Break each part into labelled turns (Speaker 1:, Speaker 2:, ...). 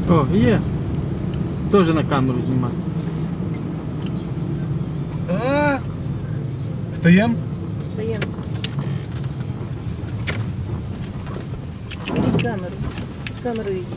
Speaker 1: О, є. Теж на камеру знімати.
Speaker 2: Стаємо?
Speaker 3: Даємо. Беріть камеру. Камеру йдіть.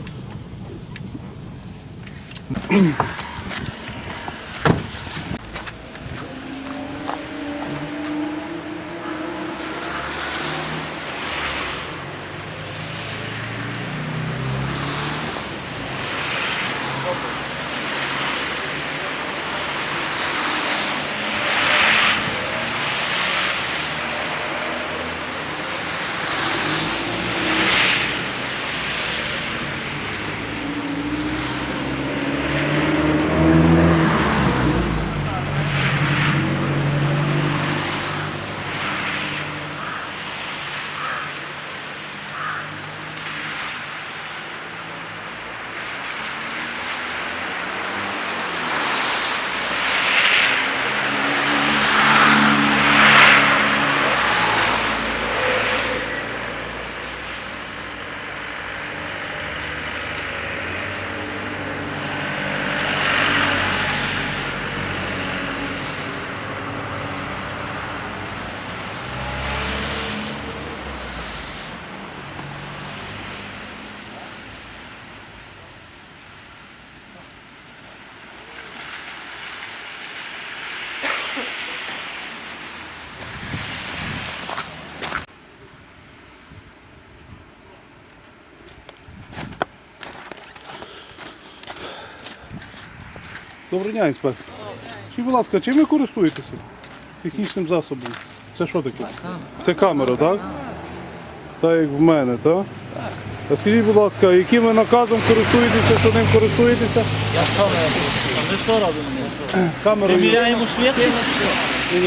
Speaker 2: Доброго дня, інспектор. Скажіть, будь ласка, чим ви користуєтеся? Технічним засобом. Це що таке? Це камера, так? Так, як в мене, так? А скажіть, будь ласка, яким ви наказом користуєтеся, що ним користуєтеся?
Speaker 1: Я що ми що робимо?
Speaker 2: Камерою.
Speaker 1: Приміряємо швидкість?
Speaker 2: Ні,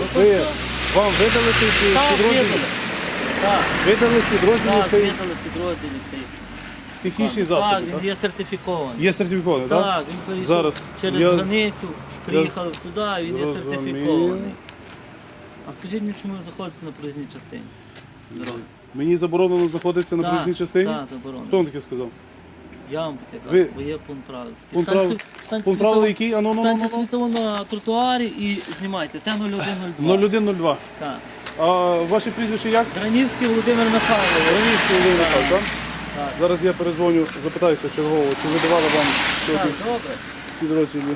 Speaker 2: вам видали цей підрозділ?
Speaker 1: Так,
Speaker 2: Видали підрозділ
Speaker 1: так,
Speaker 2: цей
Speaker 1: видали підрозділі цей.
Speaker 2: технічний
Speaker 1: Так,
Speaker 2: засіб,
Speaker 1: він
Speaker 2: так?
Speaker 1: є сертифікований.
Speaker 2: Є сертифікований, так?
Speaker 1: Так, він перейшов
Speaker 2: Зараз.
Speaker 1: через
Speaker 2: Я-
Speaker 1: границю, приїхав сюди, він є
Speaker 2: Розумію.
Speaker 1: сертифікований. А скажіть мені, чому ви заходите на проїзній частині? Дороги.
Speaker 2: Мені заборонено знаходитися на
Speaker 1: Так,
Speaker 2: проїзній частині?
Speaker 1: Так, заборонено.
Speaker 2: Хто вам таке сказав?
Speaker 1: Я вам таке
Speaker 2: Ви-
Speaker 1: кажу, бо є пункт правил.
Speaker 2: Пункт правил- Пункт правил який?
Speaker 1: Станьте світово на тротуарі і знімайте. Т-0102.
Speaker 2: 0102.
Speaker 1: Так.
Speaker 2: А ваше прізвище як?
Speaker 1: Дранівський Володимир Михайлович.
Speaker 2: Ранівський Володимир Михайлович, так?
Speaker 1: Так.
Speaker 2: Зараз я перезвоню, запитаюся чергово, чи видавали вам
Speaker 1: Так,
Speaker 2: сьогодні
Speaker 1: добре.
Speaker 2: підрозділі.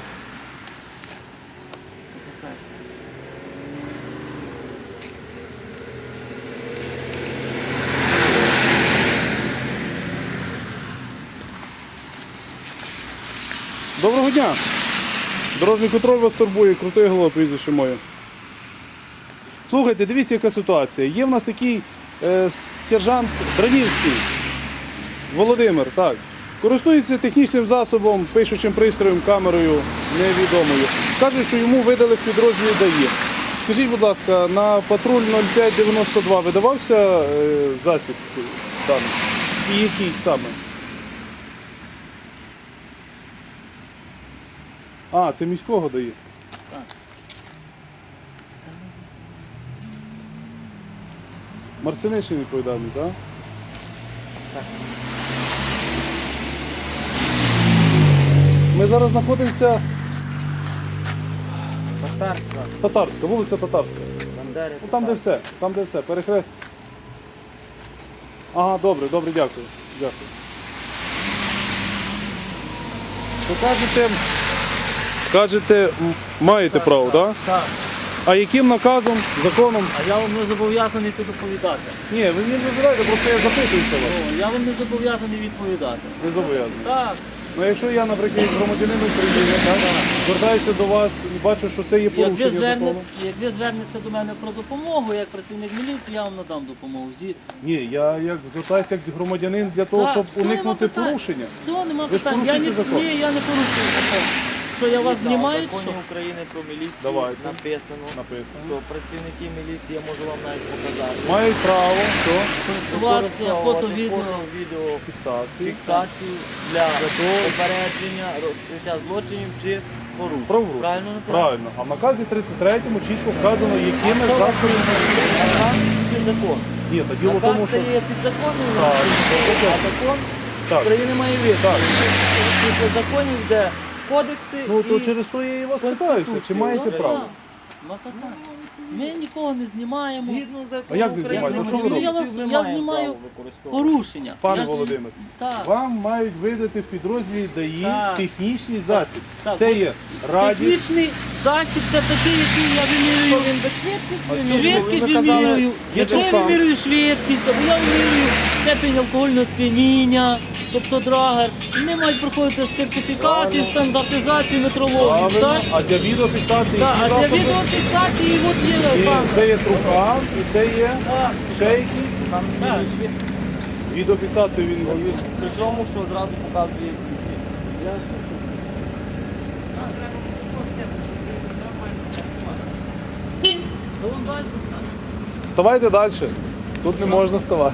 Speaker 2: Доброго дня! Дорожній контроль вас турбує, крутий голова, прізвище моє. Слухайте, дивіться, яка ситуація. Є в нас такий сержант Дранівський, Володимир, так. Користується технічним засобом, пишучим пристроєм, камерою невідомою. Каже, що йому видали в підрозділі ДАІ. Скажіть, будь ласка, на патруль 0592 видавався засіб даний? І який саме? А, це міського дає?
Speaker 1: Так.
Speaker 2: Марцинишин відповідальний, так?
Speaker 1: Так.
Speaker 2: Ми зараз знаходимося
Speaker 1: Татарська.
Speaker 2: Татарська, вулиця Татарська.
Speaker 1: Бандери.
Speaker 2: Ну, там де все, перехрест. Ага, добре, дякую. Дякую. Ви кажете, маєте право, так?
Speaker 1: Так.
Speaker 2: А яким наказом, законом?
Speaker 1: А я вам не зобов'язаний тут доповідати.
Speaker 2: Ні, ви не вибираєте, просто я запитуюся вас.
Speaker 1: О, я вам не зобов'язаний відповідати.
Speaker 2: Не зобов'язаний.
Speaker 1: Так.
Speaker 2: Ну якщо я, наприклад, як громадянин України, так, звертаюся до вас і бачу, що це є порушення закону.
Speaker 1: Як ви звернетеся до мене про допомогу, як працівник міліції, я вам надам допомогу.
Speaker 2: Ні, я як звертаюся як громадянин для того,
Speaker 1: Так,
Speaker 2: щоб
Speaker 1: все, нема
Speaker 2: уникнути
Speaker 1: питань.
Speaker 2: порушення.
Speaker 1: Все, нема
Speaker 2: Ви ж
Speaker 1: питань.
Speaker 2: порушуєте закон.
Speaker 1: Ні, я не порушую закон. Що я вас знімаю?
Speaker 4: В законі України про міліцію
Speaker 2: Давайте.
Speaker 4: написано, що працівники міліції, я можу вам навіть показати,
Speaker 2: Мають право до
Speaker 1: Користуватися фото, відео.
Speaker 2: фіксації.
Speaker 4: фіксацію для попередження, розкриття злочинів чи порушень.
Speaker 2: Правопорушень.
Speaker 4: Правильно написано?
Speaker 2: Правильно. А в наказі 33-му чітко вказано, якими засобами.
Speaker 4: Наказ чи закон?
Speaker 2: Ні, та діло в тому,
Speaker 4: Наказ
Speaker 2: що
Speaker 4: це є підзаконний,
Speaker 2: Так.
Speaker 4: а закон
Speaker 2: Так.
Speaker 4: України має вище. Після законів, де кодекси
Speaker 2: Ну, то
Speaker 4: і...
Speaker 2: через то я і вас питаюся, чи маєте
Speaker 1: Ну,
Speaker 2: право?
Speaker 1: так. Ну, так, так. Ми нікого не знімаємо.
Speaker 4: Згідно закону
Speaker 2: А як ви
Speaker 4: України,
Speaker 2: знімаєте? Що ви
Speaker 4: міліцію
Speaker 2: робите?
Speaker 4: ми
Speaker 1: Я
Speaker 4: маємо
Speaker 1: знімаю
Speaker 4: право використовувати.
Speaker 1: Порушення.
Speaker 2: Пане
Speaker 1: Я ж-
Speaker 2: Володимир,
Speaker 1: Так.
Speaker 2: вам мають видати в підрозділі ДАІ
Speaker 1: Так.
Speaker 2: технічний засіб.
Speaker 1: Так,
Speaker 2: Це
Speaker 1: от
Speaker 2: є радіо.
Speaker 1: Технічний засіб це такий, який я вимірюю.
Speaker 4: Він без швидкість
Speaker 1: Швидкість
Speaker 4: ви казали,
Speaker 1: вимірюю.
Speaker 2: є
Speaker 1: Якщо я
Speaker 2: трубка.
Speaker 1: вимірюю швидкість, або я вимірюю степень алкогольного сп'яніння, тобто драгер, вони мають проходити сертифікацію, стандартизацію, метрологію.
Speaker 2: Правильно.
Speaker 1: Так?
Speaker 2: А для відеофіксації
Speaker 1: Так, а
Speaker 2: які
Speaker 1: для
Speaker 2: засоби?
Speaker 1: відеофіксації от є
Speaker 2: І
Speaker 1: банк.
Speaker 2: це є трубка, і це є
Speaker 1: Так,
Speaker 2: ще які.
Speaker 4: Там
Speaker 1: так.
Speaker 2: Відеофіксацію він
Speaker 4: при тому, що зразу показує.
Speaker 1: Ну, вон далі.
Speaker 2: Вставайте далі. Тут не можна ставати.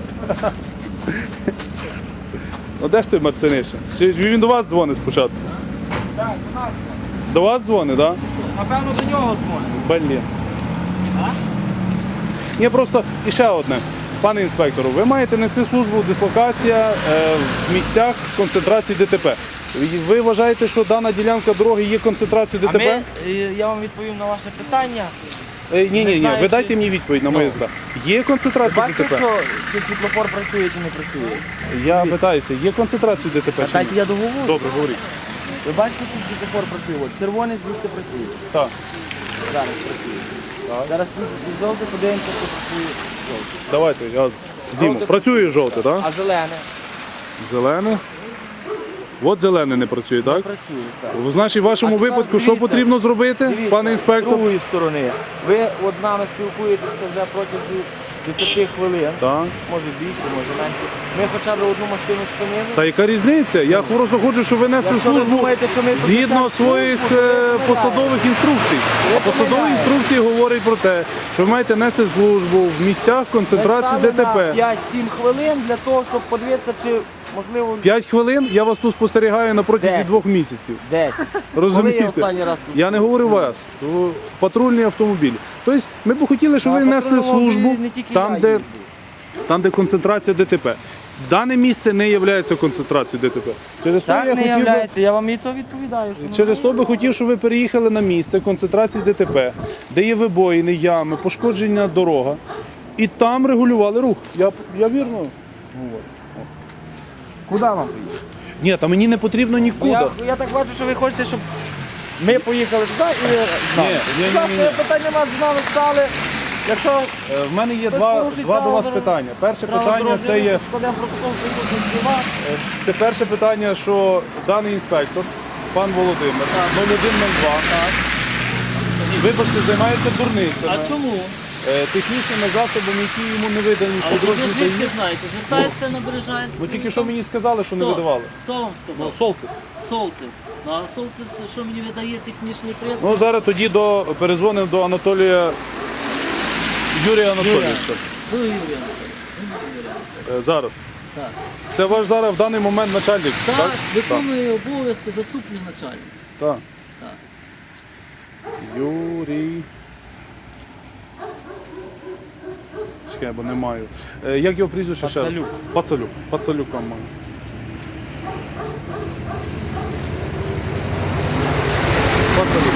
Speaker 2: Ну де ж ти, Марциниша? Чи він до вас дзвонить спочатку?
Speaker 4: Так, у нас.
Speaker 2: До вас дзвонить, так?
Speaker 4: Напевно, до нього дзвонить.
Speaker 2: Блін. Ні, просто і ще одне. Пане інспектору, ви маєте нести службу дислокація в місцях концентрації ДТП. Ви вважаєте, що дана ділянка дороги є концентрацією
Speaker 4: А
Speaker 2: ДТП?
Speaker 4: я вам відповім на ваше питання.
Speaker 2: Ні,
Speaker 4: знаю,
Speaker 2: ви
Speaker 4: чи-
Speaker 2: дайте мені відповідь на моє питання. Є концентрація
Speaker 4: Бачите,
Speaker 2: ДТП?
Speaker 4: що чи світлофор працює чи не працює?
Speaker 2: Я питаюся, є концентрація ДТП
Speaker 4: А
Speaker 2: чи
Speaker 4: дайте
Speaker 2: ні?
Speaker 4: я договорю.
Speaker 2: Добре, говоріть.
Speaker 4: Ви бачите, що світлофор працює? От червоний звідси працює.
Speaker 2: Так.
Speaker 4: Зараз працює. Зараз жовтий, подивимося, що працює жовтий.
Speaker 2: Давайте, я зніму.
Speaker 4: Жовте
Speaker 2: Працює жовте, так?
Speaker 4: А зелене?
Speaker 2: Зелене. От зелене не працює, так?
Speaker 4: Працює, так.
Speaker 2: Значить, в вашому
Speaker 4: А тепер
Speaker 2: випадку що
Speaker 4: дивіться.
Speaker 2: потрібно зробити,
Speaker 4: Дивіться,
Speaker 2: пане
Speaker 4: з
Speaker 2: інспектор?
Speaker 4: другої сторони. Ви от з нами спілкуєтеся вже протягом 10 хвилин.
Speaker 2: Так.
Speaker 4: Може більше, може менше. Ми хоча б одну машину спинили.
Speaker 2: Та яка різниця? Я просто хочу, щоб ви несли
Speaker 4: Якщо ви
Speaker 2: службу
Speaker 4: думаєте, що ми тут
Speaker 2: згідно
Speaker 4: несемо
Speaker 2: своїх
Speaker 4: службу, то ви
Speaker 2: посадових інструкцій. А посадові
Speaker 4: помиляєте.
Speaker 2: інструкції говорять про те, що ви маєте нести службу в місцях концентрації
Speaker 4: Ми стали
Speaker 2: ДТП.
Speaker 4: на 5-7 хвилин для того, щоб подивитися, чи можливо
Speaker 2: 5 хвилин я вас тут спостерігаю на протязі
Speaker 4: 10.
Speaker 2: 2 місяців.
Speaker 4: 10. Коли я
Speaker 2: Розумієте?
Speaker 4: останній раз тут?
Speaker 2: Я не говорю вас, патрульні автомобілі. Тобто ми б хотіли, щоб ви несли службу там, де концентрація ДТП. Дане місце не є концентрацією ДТП. Через то
Speaker 4: Так
Speaker 2: я
Speaker 4: не
Speaker 2: хотів би-
Speaker 4: являється, я вам і то відповідаю. що
Speaker 2: Через то би хотів, щоб ви переїхали на місце концентрації ДТП, де є вибоїни, ями, пошкодження дорога, і там регулювали рух. Я вірно говорю.
Speaker 4: Куди вам поїхати?
Speaker 2: Ні, та мені не потрібно нікуди.
Speaker 4: Я так бачу, що ви хочете, щоб ми поїхали туди і з нами.
Speaker 2: Ні.
Speaker 4: Будь ласка, питань нема, з нами стали. Якщо
Speaker 2: В мене є
Speaker 4: Хтось
Speaker 2: два
Speaker 4: порушить
Speaker 2: до вас
Speaker 4: право
Speaker 2: питання. Перше
Speaker 4: право
Speaker 2: питання
Speaker 4: дорожнього
Speaker 2: це є
Speaker 4: руху, складемо протокол присутності вас.
Speaker 2: це перше питання, що даний інспектор, пан Володимир, 0102, вибачте, займається дурницями.
Speaker 1: А чому?
Speaker 2: Технічними засобами, які йому не видані в
Speaker 1: Але ви
Speaker 2: підрозділі
Speaker 1: звідки
Speaker 2: ДАІ.
Speaker 1: знаєте? Звертається на Бережанську.
Speaker 2: Ну тільки що мені сказали, що не
Speaker 1: Хто?
Speaker 2: видавали.
Speaker 1: Хто вам
Speaker 2: Ну,
Speaker 1: сказав?
Speaker 2: Солтис.
Speaker 1: Солтис. Ну, а Солтис, що мені видає технічний пристрій?
Speaker 2: Ну зараз тоді перезвонив до Анатолія Юрія Анатолійовича.
Speaker 1: Ну, Юрій Анатолійович.
Speaker 2: Зараз.
Speaker 1: Так.
Speaker 2: Це ваш зараз в даний момент начальник, так?
Speaker 1: Так, виконує обов'язки заступник начальника.
Speaker 2: Так.
Speaker 1: Так.
Speaker 2: Юрій. Чекай, бо не маю. Як його прізвище ще раз?
Speaker 4: Пацалюк.
Speaker 2: Пацалюк. Пацалюк вам маю. Пацалюк.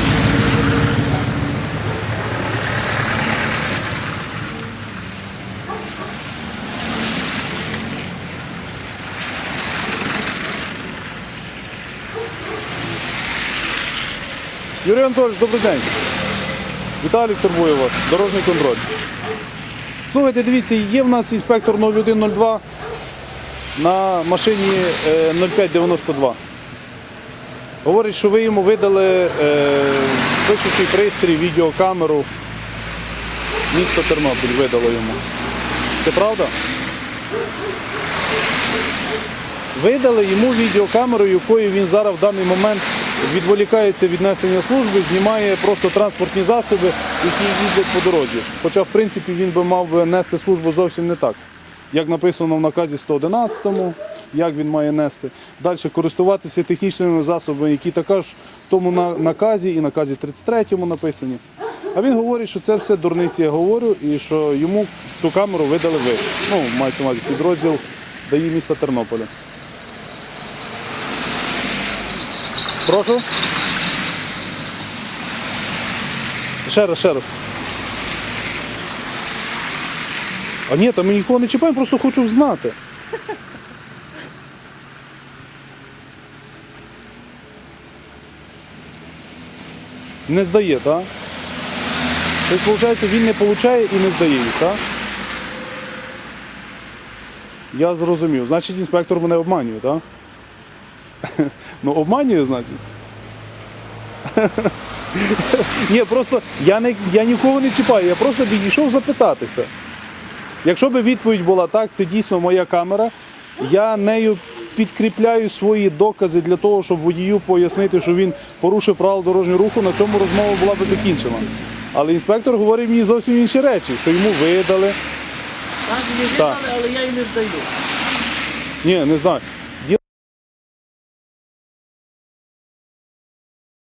Speaker 2: Юрій Анатолійович, добрий день. Віталій турбує вас, дорожній контроль. Слухайте, дивіться, є в нас інспектор 0102 на машині 0592. Говорить, що ви йому видали пишучий пристрій, відеокамеру. Місто Тернопіль видало йому. Це правда? Видали йому відеокамеру, якою він зараз в даний момент відволікається від несення служби, знімає просто транспортні засоби, які їздять по дорозі. Хоча, в принципі, він би мав би нести службу зовсім не так. Як написано в наказі 111-му, як він має нести. Далі користуватися технічними засобами, які також в тому наказі і наказі 33-му написані. А він говорить, що це все дурниці, я говорю, і що йому ту камеру видали ви. Ну, мається на увазі підрозділ ДАІ міста Тернополя. Прошу? Ще раз. А ні, там ми нікого не чіпаємо, просто хочу знати. Не здає, так? Тобто, виходить, він не отримує і не здає їх, так? Я зрозумів. Значить, інспектор мене обманює, так? Ну, обманює, значить. Ні, просто я нікого не чіпаю, я просто підійшов запитатися. Якщо б відповідь була так, це дійсно моя камера, я нею підкріпляю свої докази для того, щоб водію пояснити, що він порушив правила дорожнього руху, на цьому розмова була б закінчена. Але інспектор говорить мені зовсім інші речі, що йому видали.
Speaker 1: Так, мені
Speaker 2: Так.
Speaker 1: видали, але я її не здаю.
Speaker 2: Ні, не знаю.